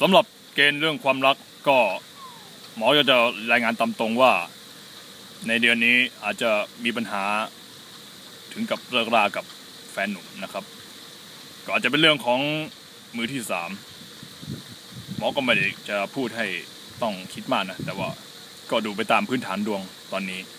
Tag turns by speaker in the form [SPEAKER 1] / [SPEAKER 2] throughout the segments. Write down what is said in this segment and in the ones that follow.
[SPEAKER 1] สำหรับเกณฑ์เรื่องความรักก็หมอจะรายงานตามตรงว่าในเดือนนี้อาจจะมีปัญหาถึงกับเลิกรากับแฟนหนุ่มนะครับก็อาจจะเป็นเรื่องของมือที่สามหมอก็ไม่ได้จะพูดให้ต้องคิดมากนะแต่ว่าก็ดูไปตามพื้นฐานดวงตอนนี้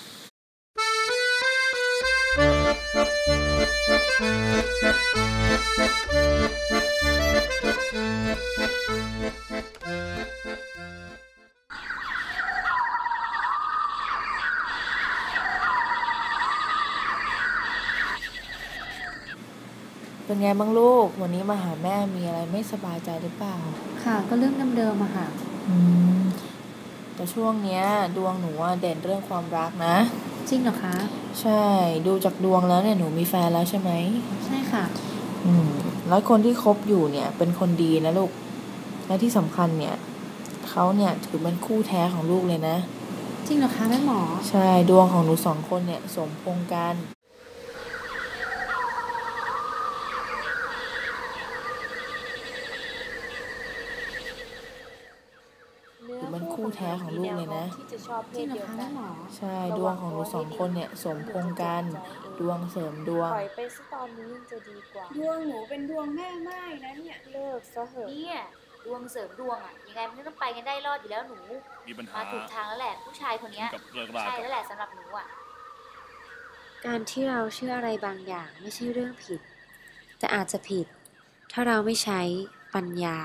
[SPEAKER 2] เป็นไงบ้างลูกวันนี้มาหาแม่มีอะไรไม่สบายใจหรือเปล่า
[SPEAKER 3] ค่ะก็เรื่องเดิมๆอะค่ะ
[SPEAKER 2] แต่ช่วงเนี้ยดวงหนูเด่นเรื่องความรักนะ
[SPEAKER 3] จริงเหรอคะ
[SPEAKER 2] ใช่ดูจากดวงแล้วเนี่ยหนูมีแฟนแล้วใช่ไหม
[SPEAKER 3] ใช่ค่ะ
[SPEAKER 2] แล้วคนที่คบอยู่เนี่ยเป็นคนดีนะลูกและที่สำคัญเนี่ยเขาเนี่ยถือเป็นคู่แท้ของลูกเลยนะ
[SPEAKER 3] จริงเหรอคะแม่หมอ
[SPEAKER 2] ใช่ดวงของหนูสองคนเนี่ยสมพงษ์กันเป็นคู่แท้ของลูกเลยนะ
[SPEAKER 3] จริงเหรอคะแม่หมอ
[SPEAKER 2] ใช่ดวงของหนูสองคนเนี่ยสมพงษ์กันดวงเสริมดวง
[SPEAKER 4] ปล่อยไปซะตอนนี้ยังจะดีกว่า
[SPEAKER 5] ดวงหนูเป็นดวงแม่ไม้นะเนี่ย
[SPEAKER 4] เลิกซะเหอะ
[SPEAKER 6] เนี่ยดวงเสริมดวงยังไงมันก็ต้องไปกันได้รอดอยู่แล้วหนู
[SPEAKER 1] มีปัญหา
[SPEAKER 6] มาถูกทางแล้วแหละผู้ชายคนนี้ใช่แล้วแหละสำหรับหนู
[SPEAKER 4] การที่เราเชื่ออะไรบางอย่างไม่ใช่เรื่องผิดแต่อาจจะผิดถ้าเราไม่ใช้ปัญญา